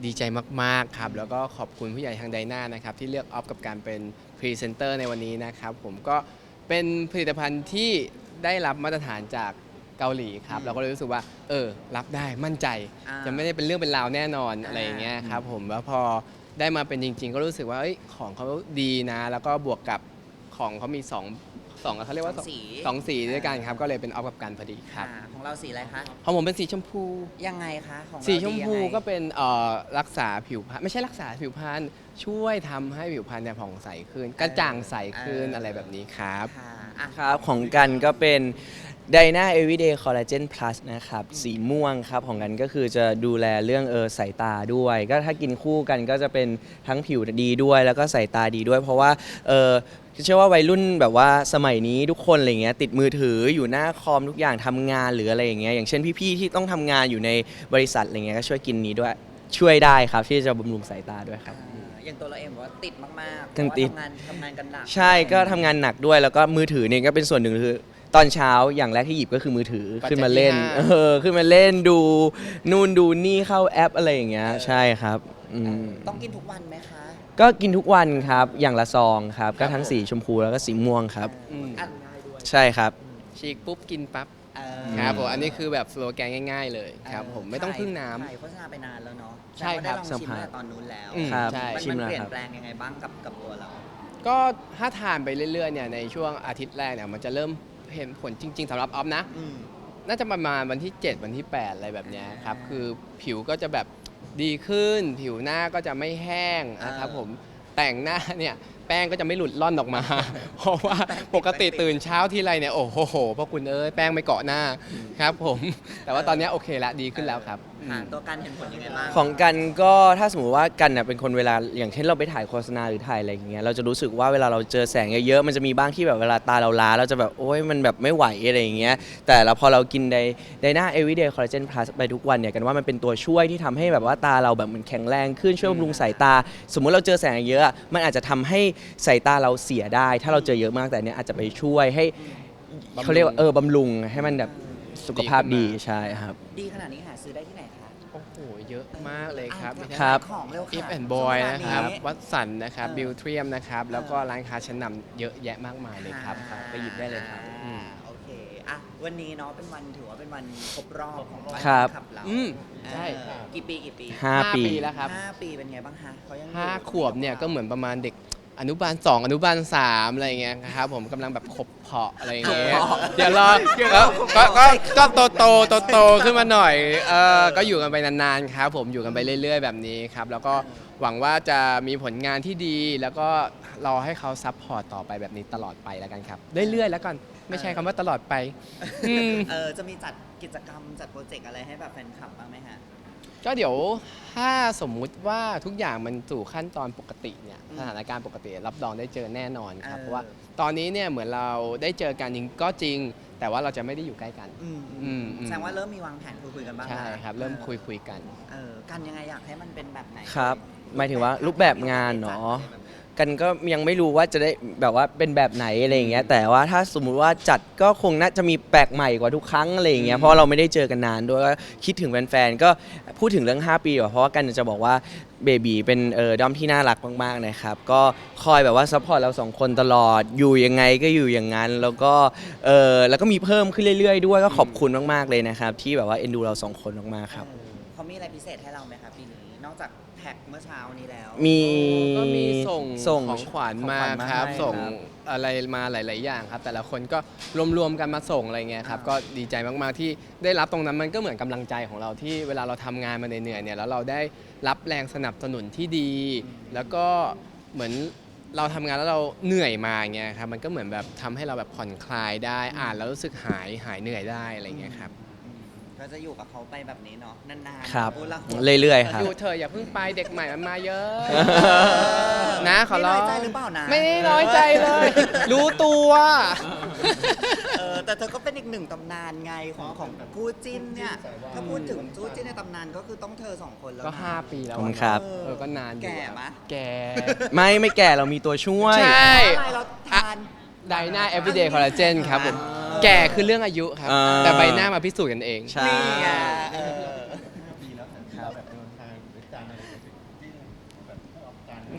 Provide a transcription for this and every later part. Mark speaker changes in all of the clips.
Speaker 1: ดีใจมากๆครับแล้วก็ขอบคุณผู้ใหญ่ทางไดนานะครับที่เลือกออฟกับการเป็นพรีเซนเตอร์ในวันนี้นะครับผมก็เป็นผลิตภัณฑ์ที่ได้รับมาตรฐานจากเกาหลีครับเราก็เลยรู้สึกว่ารับได้มั่นใจจะไม่ได้เป็นเรื่องเป็นราวแน่นอนอะไรอย่างเงี้ยครับผมแล้วพอได้มาเป็นจริงๆก็รู้สึกว่าของเขาดีนะแล้วก็บวกกับของเขามีสองเขาเรียกว่าสองสีด้วยกันครับก็เลยเป็นออฟกับกันพอดีครับ
Speaker 2: ของเราสีอะไรคะ
Speaker 1: ของผมเป็นสีชมพู
Speaker 2: ยังไงคะของเรา
Speaker 1: สีชมพู
Speaker 2: ดียังไง
Speaker 1: ก็เป็นรักษาผิวพรรณไม่ใช่รักษาผิวพรรณช่วยทำให้ผิวพรรณเนี่ยผ่องใสขึ้นกระจ่างใสขึ้นอะไรแบบนี้ครับ
Speaker 2: ค่ะอ่ะ
Speaker 3: ครับของกันก็เป็น Dyna Everyday Collagen Plus นะครับสีม่วงครับของกันก็คือจะดูแลเรื่องสายตาด้วยก็ถ้ากินคู่กันก็จะเป็นทั้งผิวดีด้วยแล้วก็สายตาดีด้วย เพราะว่าเชื่อว่าวัยรุ่นแบบว่าสมัยนี้ทุกคนอะไรเงี้ยติดมือถืออยู่หน้าคอมทุกอย่างทำงานหรืออะไรอย่างเงี้ยอย่างเช่นพี่ๆที่ต้องทำงานอยู่ในบริษัทอะไรเงี้ยก็ช่วยกินนี้ด้วยช่วยได้ครับที่จะบำรุงสายตาด้วยครับ
Speaker 2: อย่างตัวเราเองบอกว่าติดมากๆ
Speaker 3: กันติด
Speaker 2: เพราะว่าทำงานกันหนัก
Speaker 3: ใช่ก็ทำงานหนักด้วยแล้วก็มือถือเนี่ยก็เป็นส่วนหนึ่งคือตอนเช้าอย่างแรกที่หยิบก็คือมือถือขึ้นมาเล่นขึ้นมาเล่นดูนู่นดูนี่เข้าแอปอะไรอย่างเงี้ยใช่ครับ
Speaker 2: ต้องกินทุกวันไหมคะ
Speaker 3: ก็กินทุกวันครับอย่างละซองครับก็ทั้งสีชมพูแล้วก็สีม่วงครับ
Speaker 2: อ่ะ
Speaker 3: ใช่ครับ
Speaker 1: ฉีกปุ๊บกินปั๊บ
Speaker 2: เอ
Speaker 1: ครับผมอันนี้คือแบบสโลแกนง่ายๆเลยครับผมไม่ต้องพึ่งน้ำ
Speaker 2: ถ่ายโฆษณาไปนานแล้วเนาะ
Speaker 1: ใช่ครับ
Speaker 2: แต่ว่าได้ลองชิมตั้งแต่ตอนนู้นแล้ว
Speaker 3: ครับ
Speaker 1: ใช่
Speaker 3: ชิม
Speaker 2: มัน
Speaker 3: แล้ว
Speaker 2: เปลี่ย
Speaker 3: คน รับ
Speaker 2: แปลงยังไงบ้างกับตัวเรา
Speaker 1: ก็ถ้าทานไปเรื่อยๆเนี่ยในช่วงอาทิตย์แรกเนี่ยมันจะเริ่มเห็นผลจริงๆสำหรับออฟนะน่าจะประมาณวันที่ 7 วันที่ 8 อะไรแบบเนี้ยครับคือผิวก็จะแบบดีขึ้น ผิวหน้าก็จะไม่แห้งนะครับผมแต่งหน้าเนี่ยแป้งก็จะไม่หลุดล่อนออกมา เพราะว่าปกติตื่นเช้าทีไรเนี่ยโอ้โหพ่อคุณแป้งไม่เกาะหน้าครับผมแต่ว่าตอนนี้โอเคละดีขึ้นแล้วครับ
Speaker 2: ตัวกันเห็นผลยังไงบ้าง
Speaker 3: ของกันก็ถ้าสมมติว่ากันเป็นคนเวลาอย่างเช่นเราไปถ่ายโฆษณาหรือถ่ายอะไรอย่างเงี้ยเราจะรู้สึกว่าเวลาเราเจอแสงเยอะๆมันจะมีบ้างที่แบบเวลาตาเราล้าเราจะแบบโอ๊ยมันแบบไม่ไหวอะไรอย่างเงี้ยแต่แล้วพอเรากินไดนา Everyday Collagen Plus ไปทุกวันเนี่ยกันว่ามันเป็นตัวช่วยที่ทำให้แบบว่าตาเราแบบมันแข็งแรงขึ้นช่วยบำรุงสายตา สมมุติเราเจอแสงเยอะมันอาจจะทำให้สายตาเราเสียได้ ถ้าเราเจอเยอะมากแต่เนี้ยอาจจะไปช่วยให้เขาเรียกว่าบำรุงให้มันแบบสุขภาพดีใช่ครับ
Speaker 2: ดีขนาดนี้หาซื้อได้ที่ไหนคะ
Speaker 1: โอ้โหเยอะมากเลยครับ
Speaker 3: ครับ
Speaker 2: ของเร็วค่ะ
Speaker 1: If and Boy นะครับ
Speaker 2: ช่วงเวลานี้
Speaker 1: วัดสันนะครับบิวเทียมนะครับแล้วก็ร้านค้าชั้นนำเยอะแยะมากมายเลยครับ ไปหยิบได้เลยครับ
Speaker 2: โอเคอ่ะวันนี้เนาะเป็นวันถือว่าเป็นวันครบรอบของ
Speaker 3: ครับ
Speaker 2: ขับเรา
Speaker 1: ใช่
Speaker 2: กี่ปี
Speaker 3: 5 ปี
Speaker 1: แล้วครับ
Speaker 2: 5 ปีเป็นไงบ้างคะเขายังอยู่
Speaker 1: 5 ขวบเนี่ยก็เหมือนประมาณเด็กอนุบาล 2 อนุบาล 3 อะไรอย่างเงี้ยครับผมกำลังแบบขบเพาะอะไรอย่างเงี้ยเดี๋ยวรอแล้วก็โตขึ้นมาหน่อยก็อยู่กันไปนานๆครับผมอยู่กันไปเรื่อยๆแบบนี้ครับแล้วก็หวังว่าจะมีผลงานที่ดีแล้วก็รอให้เขาซัพพอร์ตต่อไปแบบนี้ตลอดไปแล้วกันครับเรื่อยๆแล้วกันไม่ใช่คำว่าตลอดไป
Speaker 2: จะมีจัดกิจกรรมจัดโปรเจกต์อะไรให้แบบแฟนคลับบ้างไหมฮะ
Speaker 1: ก็เดี๋ยวถ้าสมมุติว่าทุกอย่างมันสู่ขั้นตอนปกติเนี่ยสถานการณ์ปกติรับรองได้เจอแน่นอนครับเพราะว่าตอนนี้เนี่ยเหมือนเราได้เจอกันจริงก็จริง แต่ว่าเราจะไม่ได้อยู่ใกล้กัน
Speaker 2: แสดงว่าเริ่มมีวางแผนคุยกันบ้าง
Speaker 1: ใช่ครับเริ่มคุยกัน
Speaker 2: กันยังไงอยากให้มันเป็นแบบไหน
Speaker 3: ครับหมายถึงว่ารูปแบบงานเนาะกันก็ยังไม่รู้ว่าจะได้แบบว่าเป็นแบบไหนอะไรอย่างเงี้ยแต่ว่าถ้าสมมุติว่าจัดก็คงน่าจะมีแปลกใหม่กว่าทุกครั้งอะไรอย่างเงี้ยเพราะเราไม่ได้เจอกันนานด้วยก็คิดถึงแฟนๆก็พูดถึงเรื่อง5 ปีเพราะว่ากันจะบอกว่าเบบีเป็นด้อมที่น่ารักมากๆนะครับก็คอยแบบว่าซัพพอร์ตเรา2 คนตลอดอยู่ยังไงก็อยู่อย่างนั้นแล้วก็มีเพิ่มขึ้นเรื่อยๆด้วยก็ขอบคุณมากๆเลยนะครับที่แบบว่าเอ็นดูเรา2 คนมากๆครับ
Speaker 2: เขามีอะไรพิเศษให้เราไหมครับปีนี้นอกจากแพ็คเมื่อเช้านี้แล้ว
Speaker 1: ก็มีส่งของขวัญมาครับ
Speaker 3: ให้
Speaker 1: ส่งอะไรมาหลายๆอย่างครับแต่ละคนก็รวมๆกันมาส่งอะไรเงี้ยครับก็ดีใจมากๆที่ได้รับตรงนั้นมันก็เหมือนกำลังใจของเราที่เวลาเราทำงานมาเหนื่อยๆเนี่ยแล้วเราได้รับแรงสนับสนุนที่ดี แล้วก็เหมือนเราทำงานแล้วเราเหนื่อยมาเงี้ยครับมันก็เหมือนแบบทำให้เราแบบผ่อนคลายได้อ่านแล้วรู้สึกหายเหนื่อยได้อะไรเงี้ยครับ
Speaker 2: ก็จะอยู่กับเขาไปแบบนี้เนาะนานๆ
Speaker 3: ครับ
Speaker 2: พูดละ
Speaker 3: เรื่อยๆครับ
Speaker 1: อยู่เธออย่าเพิ่งไปเด็กใหม่มันมาเยอะ นะขอร้อง
Speaker 2: ไม่น้อยใจหรือเปล่านะ
Speaker 1: ไม่ได้น้อยใจเลย รู้ตัว
Speaker 2: แต่เธอก็เป็นอีกหนึ่งตำนานไงของคู่จิ้นเนี่ยถ้าพูดถึงคู่จิ้นในตำนานก็คือต้องเธอ2 คนแล้ว
Speaker 1: ก็
Speaker 2: นะ
Speaker 1: 5 ปีแล้ว
Speaker 3: ขอบคุณครับ
Speaker 1: ก็นานอยู่
Speaker 2: แก่ไหม
Speaker 1: แก่
Speaker 3: ไม่แก่เรามีตัวช่วย
Speaker 1: ใช่
Speaker 2: อะไรเราทาน
Speaker 1: ไดนา everyday collagen ครับผมแก่คือเรื่องอายุครับ แต่ใบหน้ามาพิสูจน์กันเอง
Speaker 3: ใช่
Speaker 2: นี่ไง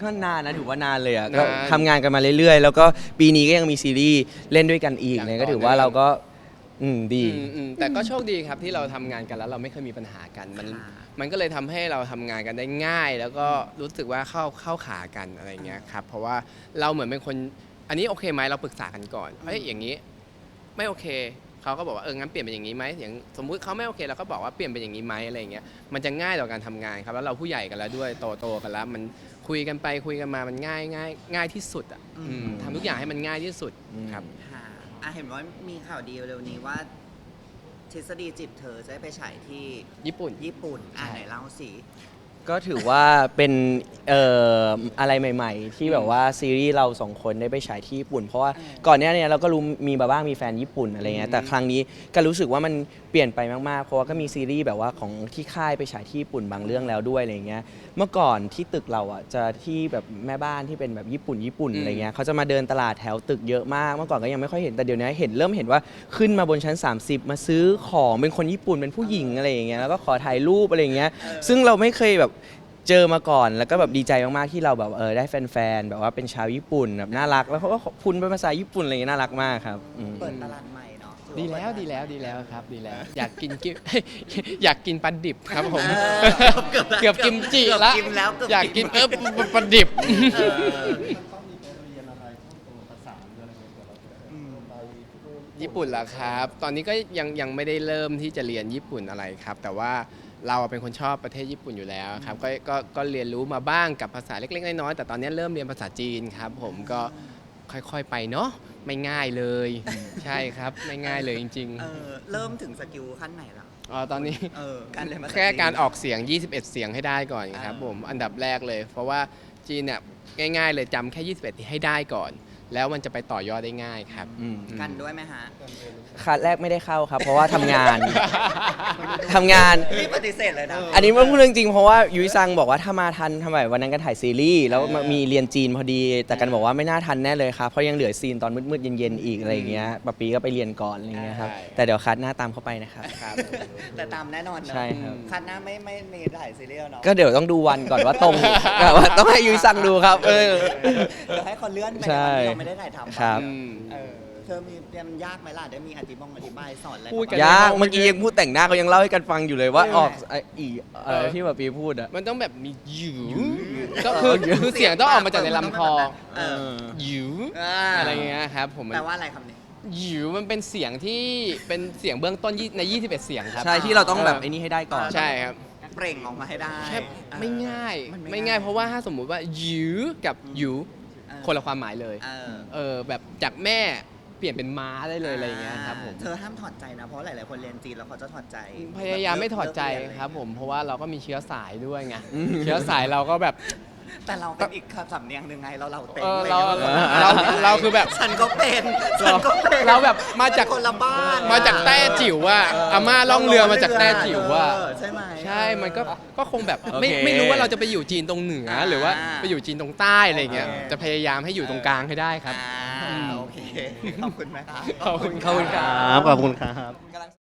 Speaker 3: ก็นานนะถือว่านานเลยอ่ะ
Speaker 1: นาน
Speaker 3: ก็ทำงานกันมาเรื่อยๆ แล้วก็ปีนี้ก็ยังมีซีรีส์เล่นด้วยกันอีก
Speaker 1: อย่าง
Speaker 3: เนี่ย
Speaker 1: ต่
Speaker 3: ก็
Speaker 1: อ
Speaker 3: ถือว่า
Speaker 1: เนื่อง
Speaker 3: เราก็ดี
Speaker 1: แต่ก็โชคดีครับที่เราทำงานกันแล้วเราไม่เคยมีปัญหากันมันก็เลยทำให้เราทำงานกันได้ง่าย แล้วก็รู้สึกว่าเข้าขากันอะไรเงี้ยครับเพราะว่าเราเหมือนเป็นคนอันนี้โอเคไหมเราปรึกษากันก่อนเฮ้ยอย่างนี้ไม่โอเคเขาก็บอกว่างั้นเปลี่ยนเป็นอย่างนี้ไหมอย่างสมมุติเขาไม่โอเคเราก็บอกว่าเปลี่ยนเป็นอย่างนี้ไหมอะไรเงี้ยมันจะง่ายต่อการทำงานครับแล้วเราผู้ใหญ่กันแล้วด้วยโตกันแล้วมันคุยกันไปคุยกันมามันง่ายที่สุดอ่ะทำทุกอย่างให้มันง่ายที่สุดครับ
Speaker 2: ค่ะเห็นว่ามีข่าวดีเร็วนี้ว่า ทฤษฎีจิตเธอจะได้ไปฉายที่
Speaker 1: ญี่ปุ่น
Speaker 2: ญี่ปุ่นไหนเล่าสิ
Speaker 3: ก็ถือว่าเป็นอะไรใหม่ๆ ที่แบบว่าซีรีส์เราสองคนได้ไปฉายที่ญี่ปุ่น เพราะว่าก่อนหน้านี้เราก็รู้มีมาบ้างมีแฟนญี่ปุ่นอะไรเงี้ยแต่ครั้งนี้ก็รู้สึกว่ามันเปลี่ยนไปมากๆเพราะว่าก็มีซีรีส์แบบว่าของที่ค่ายไปฉายที่ญี่ปุ่นบางเรื่องแล้วด้วยอะไรเงี้ยเมื่อก่อนที่ตึกเราอ่ะจะที่แบบแม่บ้านที่เป็นแบบญี่ปุ่นอะไรเงี้ยเขาจะมาเดินตลาดแถวตึกเยอะมากเมื่อก่อนก็ยังไม่ค่อยเห็นแต่เดี๋ยวนี้เริ่มเห็นว่าขึ้นมาบนชั้น 30 มาซื้อของเป็นคนญี่ปุ่นเป็นผู้หญิงอะไรอย่างเงี้ยแล้วก็ขอถ่ายรูปอะไรเงี้ยซึ่งเราไม่เคยแบบเจอมาก่อนแล้วก็แบบดีใจมากๆที่เราแบบได้แฟนๆแบบว่าเป็นชาวญี่ปุ่นแบบน่ารักแล้วเขาก็ขอบคุณเป็นภาษาญี่ปุ่นอะไรอย่างเงี้ยน่ารักมากครับ
Speaker 2: เปิดตลาดใหม่เนาะ
Speaker 1: ดีแล้วครับดีแล้ว อยากกิน อยากกินปลาดิบครับผม เกือบกิมจิละ
Speaker 2: เกือบกินแล้วเกือบกิน
Speaker 1: อยากกินปลาดิบ ญี่ปุ่นเหรอครับ ตอนนี้ก็ยังไม่ได้เริ่มที่จะเรียนญี่ปุ่นอะไรครับ แต่ว่าเราเป็นคนชอบประเทศญี่ปุ่นอยู่แล้วครับก็เรียนรู้มาบ้างกับภาษาเล็กๆน้อยๆแต่ตอนนี้เริ่มเรียนภาษาจีนครับ ผมก็ค่อยๆไปเนาะไม่ง่ายเลย ใช่ครับไม่ง่ายเลยจริง
Speaker 2: เริ่มถึงสกิลขั้นไหนแล้ว
Speaker 1: ๆตอนนี้
Speaker 2: การเรียนภาษา
Speaker 1: แค่การ
Speaker 2: จีน
Speaker 1: ออกเสียง 21 เสียงให้ได้ก่อนครับผมอันดับแรกเลย เพราะว่าจีนเนี่ยง่ายๆเลยจำแค่ 21 ให้ได้ก่อน แล้วมันจะไปต่อยอดได้ง่ายครับ
Speaker 2: กันด้วยไหมฮะ
Speaker 3: คัดแรกไม่ได้เข้าครับ เพราะว่าทำงาน ทำงาน
Speaker 2: นี่ปฏิเสธเลยนะ
Speaker 3: อันนี้มันพูดเรื่องจริงเพราะว่ายุ้ยซังบอกว่าถ้ามาทันทำไมวันนั้นกันถ่ายซีรีส์แล้วมีเรียนจีนพอดี แต่กันบอกว่าไม่น่าทันแน่เลยครับเพราะยังเหลือซีนตอนมืดๆเย็นๆอีกอะไรอย่างเงี้ยปะปีก็ไปเรียนก่อนอะไรเงี้ยครับ
Speaker 1: ใช่
Speaker 3: แต่เดี๋ยวคัดหน้าตามเข้าไปนะครับ
Speaker 1: ครับ
Speaker 2: แต่ตามแน่นอนเนอะ
Speaker 3: ใช่ครับ
Speaker 2: คัดหน้าไม่มีถ่ายซีรีส์เนาะ
Speaker 3: ก็เดี๋ยวต้องดูวันก่อนว่าตรง แบบว่าต้องให้ยุ้ยซังดูครับ
Speaker 2: เดี๋ยวให้คนเลื่อนไป
Speaker 3: ใช่
Speaker 2: ในวันที่เราไม่ได้ถ่ายทำ
Speaker 3: ครับ
Speaker 2: เธอมีเรียนยากไหมล่ะได้มีอธิบายสอนอะไร
Speaker 1: พูดกัน
Speaker 3: ยากเมื่อกี้ยังพูดแต่งหน้าเขายังเล่าให้กันฟังอยู่เลยว่าออกอีอะไรที่แบบปีพูดอะ
Speaker 1: มันต้องแบบมีหยิวก็คือเสียงต้องออกมาจากในลำคอ หยิวอะไรเงี้ยครับผม
Speaker 2: แปลว่าอะไรคำนี้
Speaker 1: หยิวมันเป็นเสียงที่เป็นเสียงเบื้องต้นใน 21 เสียงครับ
Speaker 3: ใช่ที่เราต้องแบบไอ้นี่ให้ได้ก่อน
Speaker 1: ใช่ครับ
Speaker 2: เปล่งออกมาให้ได้
Speaker 1: แค่ไม่ง่าย
Speaker 2: มัน
Speaker 1: ไม่ง่ายเพราะว่าถ้าสมมุติว่าหยิวกับหยิวคนละความหมายเลย แบบจากแม่เปลี่ยนเป็นม้าได้เลยอะไรอย่างเงี้ยครับผม
Speaker 2: เธอห้ามถอดใจนะเพราะหลายๆคนเรียนจีนแล้วเขาจะถอดใจ
Speaker 1: พยายามไม่ถอดใจครับผมเพราะว่าเราก็มีเชื้อสายด้วยไงเชื้อสายเราก็แบบ
Speaker 2: แต่เราเป็นอีกสำเนียงหนึ่งไงเราเต็ม
Speaker 1: เราคือแบบ
Speaker 2: ฉันก็เป็น
Speaker 1: เราแบบมาจาก
Speaker 2: คนละบ้าน
Speaker 1: มาจากแต้จิ๋วว่าอาม่าล่องเรือมาจากแต้จิ๋วว่า
Speaker 2: ใช่ไหม
Speaker 1: ใช่มันก็คงแบบ
Speaker 3: โอเค
Speaker 1: ไม่รู้ว่าเราจะไปอยู่จีนตรงเหนือหรือว่าไปอยู่จีนตรงใต้อะไรเงี้ยจะพยายามให้อยู่ตรงกลางให้ได้ครับ
Speaker 2: โอเคขอบคุณไหมครับ
Speaker 1: ขอบคุณ
Speaker 3: ขอบคุณครับ
Speaker 4: ขอบคุณครับ